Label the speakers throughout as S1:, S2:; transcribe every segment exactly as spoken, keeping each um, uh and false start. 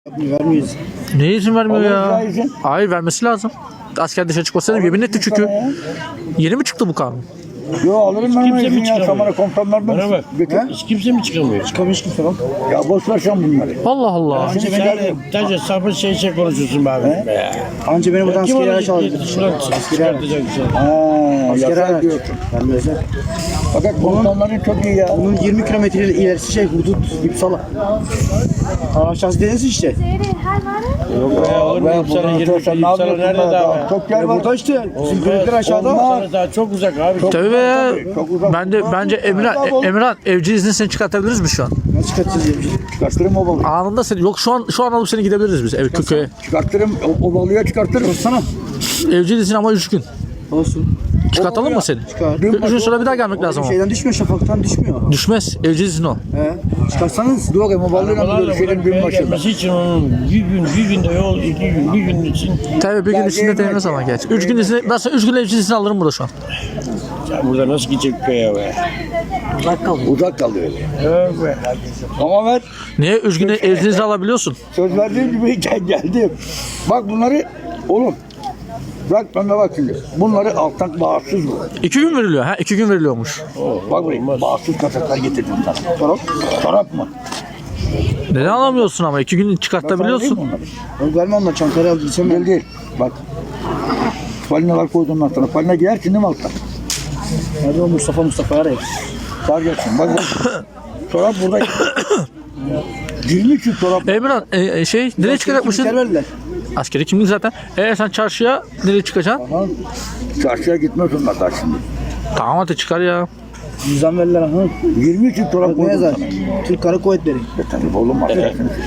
S1: Vermeyiz.
S2: Ne izin vermiyor ya?
S3: izin.
S2: Hayır, vermesi lazım. Asker dışarı çıkmasına yemin etti çünkü. Yeni mi çıktı bu kanun?
S3: Yo alırım ben
S4: Kimse
S3: onu
S4: mi
S3: izin ya.
S4: çıkamıyor?
S3: Samara komutanlardan.
S4: Bana bak.
S3: Götür.
S4: Hiç kimse mi çıkamıyor?
S1: Çıkamış kimse bak.
S3: Ya boş ver sen bunları.
S2: Allah Allah.
S3: Şimdi
S4: Sen
S3: ben
S4: sadece sapı şey şey konuşuyorsun be abi. Be.
S1: Anca beni buradan
S4: Kim
S1: askeri
S4: onu
S1: araç aldı.
S4: şuradan çıkartacak bir şey.
S3: Haa,
S1: Askeri
S3: yasak
S1: araç.
S3: diyorsun.
S1: Vermezler.
S3: Fakat komutanların çok iyi ya.
S1: Bunun yirmi kilometre ilerisi şey hudut İpsala. Aşağısı deniz işte.
S4: Yok be olur mu?
S3: Ben
S4: İpsala
S3: buradan
S4: yirmi
S3: sorsan ne
S4: İpsala
S3: yapıyorsun
S4: nerede
S3: daha?
S4: daha? be?
S3: Çok yer
S1: Ya
S3: var.
S1: burada işte. Bizim
S4: Olmaz.
S1: köyler aşağıda.
S4: İpsala daha çok uzak abi.
S2: Tabii be.
S3: Çok uzak.
S2: Ben de bence Emirhan, Emirhan evcil izni seni çıkartabiliriz mi şu an?
S1: Nasıl çıkartacağız ya?
S3: Çıkartırım o balığı.
S2: Anında seni yok şu an şu an alıp seni gidebiliriz biz ev köye.
S3: Çıkartırım o, o balığı çıkartırım.
S1: Sana.
S2: Evcil izin ama üç gün.
S1: Olsun.
S2: Çıkartalım mı seni?
S1: Çıkar.
S2: Üç gün sonra bir daha gelmek lazım ama.
S1: Şeyden düşmüyor, şafaktan düşmüyor.
S2: Düşmez. Evcil izin o.
S1: He. Çıkarsanız.
S3: Dur bakayım o balığıyla mı
S4: Arabalarla
S3: görüşelim
S4: buraya
S3: gün başında.
S4: gelmesi için onun bir gün, bir günde yol, iki gün, bir gün için
S2: Tabii bir gün içinde değmez ama geç. Üç gün izni, ben sana üç gün evcil izni alırım burada şu an.
S4: ya burada nasıl gidecek köye be?
S3: Uzak kalıyor.
S4: Yok be.
S3: Ama ver.
S2: Niye? Üç gün evcil izni alabiliyorsun.
S3: Söz verdiğim gibi gel- geldim. Bak bunları oğlum. Bak ben de bak şimdi. Bunları alttan bağımsız bu.
S2: İki gün veriliyor. Ha iki gün veriliyormuş.
S3: Bak buraya bağımsız kasaklar getirdim sana. Çorap, çorap mı?
S2: Neden alamıyorsun ama? iki gün çıkartabiliyorsun.
S1: Yok verme onunla, Çankaya aldı. Gitsem
S3: Değil
S1: ben.
S3: değil. Bak. Falinalar koydum ben sana. Falina giyersin değil mi alttan?
S1: Nerede o Mustafa Mustafa arayın.
S3: Sar gelsin. Bak bak. Çorap burada. yirmi çift çorap.
S2: Emirhan e, e, şey nereye çıkacakmışsın?
S1: Kimlikler verdiler.
S2: Askeri kimlik zaten. Eğer sen çarşıya nereye çıkacaksın?
S3: Aha. Çarşıya gitmez onlar daha şimdi.
S2: Tamam hadi çıkar ya.
S1: Cüzdan verirler. Ha.
S3: yirmi çift çorap
S1: Ne
S3: koydum
S1: yazar?
S3: sana.
S1: Türk Kara Kuvvetleri.
S3: E tabii oğlum var.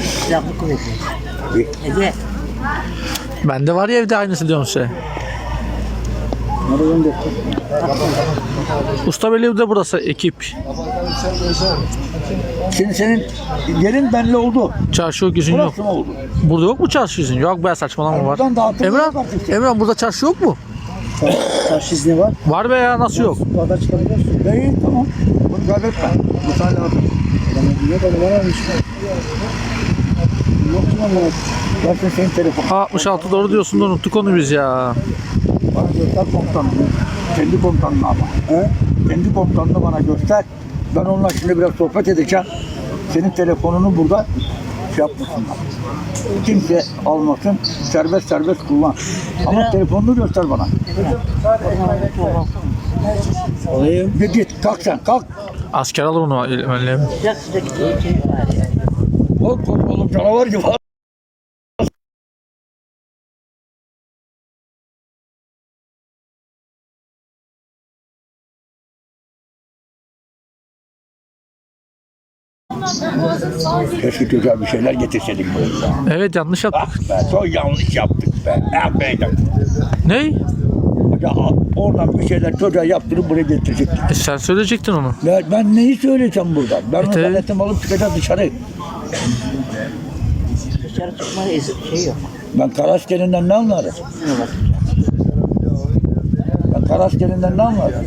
S2: Bende var ya evde aynısı diyorum size.
S1: Nerede gönder?
S2: Usta Beyliği de burası ekip.
S3: Şimdi senin yerin belli oldu.
S2: Çarşı yok, izin yok.
S3: Burası mı oldu?
S2: Burada yok mu çarşı izin? Yok be saçmalama var.
S3: Buradan dağıtılıyor
S2: Emrah,
S3: artık.
S2: Emrah burada çarşı yok mu?
S1: Çarşı izni var.
S2: Var be ya nasıl yok?
S1: Bu kadar çıkabiliyorsun.
S3: Değil tamam. Bunu kaybetme. Bu sana lazım.
S1: Ne kadar var almış. Yok ki lan bana.
S3: Versin senin telefon.
S2: altmış altı doğru diyorsun da unuttuk onu biz ya.
S3: Bana göster komutanını. Kendi komutanını ama. He? Kendi komutanını bana göster. Ben onunla şimdi biraz sohbet edeceğim. Senin telefonunu burada şey yapmasınlar. Kimse almasın. Serbest serbest kullan. Ama telefonunu göster bana.
S1: Olayım.
S3: Git git. Kalk sen kalk.
S2: Asker alır onu önlem.
S3: Oğlum, oğlum canavar gibi. Keşke güzel bir şeyler getirseydik buraya.
S2: Evet yanlış yaptık.
S3: Ah be, çok yanlış yaptık be. Ah be.
S2: Ne?
S3: Ya oradan bir şeyler çocuğa yaptırıp buraya getirecektik.
S2: E sen söyleyecektin onu.
S3: Ya ben neyi söyleyeceğim burada? Ben onu
S2: tabii.
S3: galetim alıp çıkacağım dışarı.
S5: Dışarı çıkma şey yok.
S3: Ben kara askerinden ne anlarım? Ben kara askerinden ne anlarım?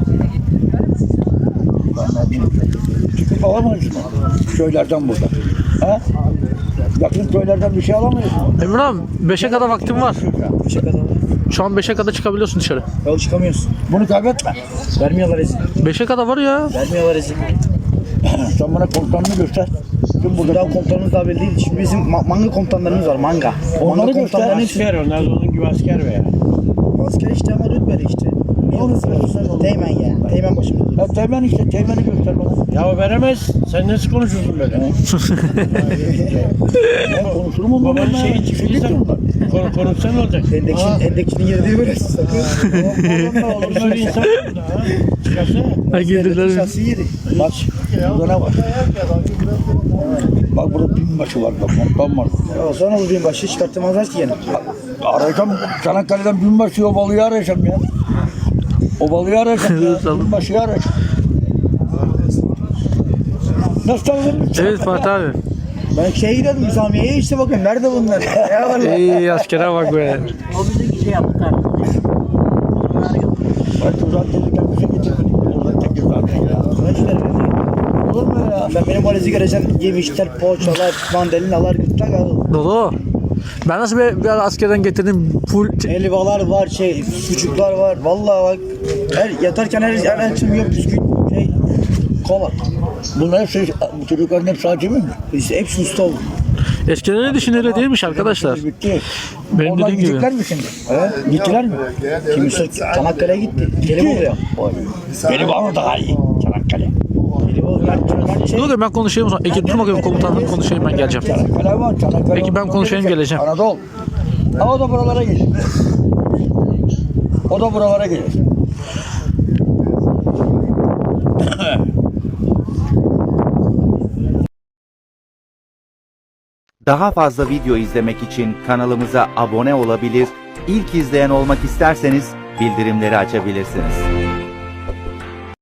S3: Ben ne bileyim. Çıkıp alamayız mı? Köylerden burada. Ha? Yakın köylerden bir şey alamayız mı?
S2: Emrah beşe kadar vaktim var.
S1: Beşe kadar var.
S2: Şu an beşe kadar çıkabiliyorsun dışarı.
S1: Yol çıkamıyorsun.
S3: Bunu kaybetme.
S1: Vermiyorlar izin.
S2: beşe kadar var ya.
S1: Vermiyorlar izin.
S3: Sen bana komutanını göster. Şimdi burada
S1: Daha komutanımız daha belli değil. Şimdi bizim ma- manga komutanlarımız var. Manga.
S3: Onları
S1: Manga
S3: göster.
S1: komutanların hepsi.
S4: Asker onlar da onun gibi asker be.
S1: Asker işte ama rütbeli işte. Ne olursa olsun. Teğmen ya. Teğmen başımda.
S3: Ya teğmen işte, teğmeni göster bana.
S4: Ya o veremez. Sen nasıl konuşuyorsun böyle?
S3: Ben konuşurum onunla.
S4: Babanın şeyi
S3: Şey
S4: çıktıysa konu, konuşsan ne olacak?
S1: Endekçinin, endekçinin yeri değil böyle. Sakın.
S4: Böyle insan burada ha. Çıkarsa.
S2: Ha girdiler.
S1: Şahsi yeri.
S3: Bak, burada ne var? Bak burada binbaşı var bak, komutan var.
S1: Ya sonra bu bin başı çıkartmazlar ki yine.
S3: Arayacağım, Çanakkale'den binbaşı o balığı arayacağım ya. O balığı arayacağım ya, binbaşıyı arayacağım. Nasıl tanıdın?
S2: Evet Fatih abi.
S1: Ben şeye gidiyordum Samiye'ye işte bakın nerede bunlar? Ya vallahi.
S2: İyi askere bak be.
S5: O bize şey yaptı kardeşim.
S3: Ben tuzağa gelirken bir şey getirmedim. Oradan tekir zaten ya.
S1: Kaç lira?
S3: Olur mu ya?
S1: Ben benim valizi göreceğim. Yemişler, poğaçalar, mandalinalar, gırtlak alır.
S2: Dolu. Ben nasıl bir, bir ara askerden getirdim full
S1: Helvalar var, şey, sucuklar var. Vallahi bak. Her, yatarken her, her akşam yok bisküvit, şey, kola.
S3: Bunlar hepsi, bu çocukların hepsi acemi mi?
S1: İşte hepsi usta oldu.
S2: eskiden öyle için öyle değilmiş arkadaşlar.
S3: Bitti.
S2: Benim
S3: Onlar
S2: dediğim gibi.
S3: gidecekler mi şimdi? He? Gittiler mi?
S1: Kimisi Çanakkale'ye gitti. Gelibolu ya.
S3: Benim var mı daha iyi? Çanakkale.
S1: Gelibolu, Mert, Mert şey.
S2: Dur ben konuşayım o zaman. Ekip dur bakayım komutanım konuşayım ben geleceğim.
S3: Çanakkale var. Çanakkale.
S2: Peki, ben konuşayım, geleceğim.
S3: Anadolu. Ha, o da buralara gelir. O da buralara gelir.
S6: Daha fazla video izlemek için kanalımıza abone olabilir, ilk izleyen olmak isterseniz bildirimleri açabilirsiniz.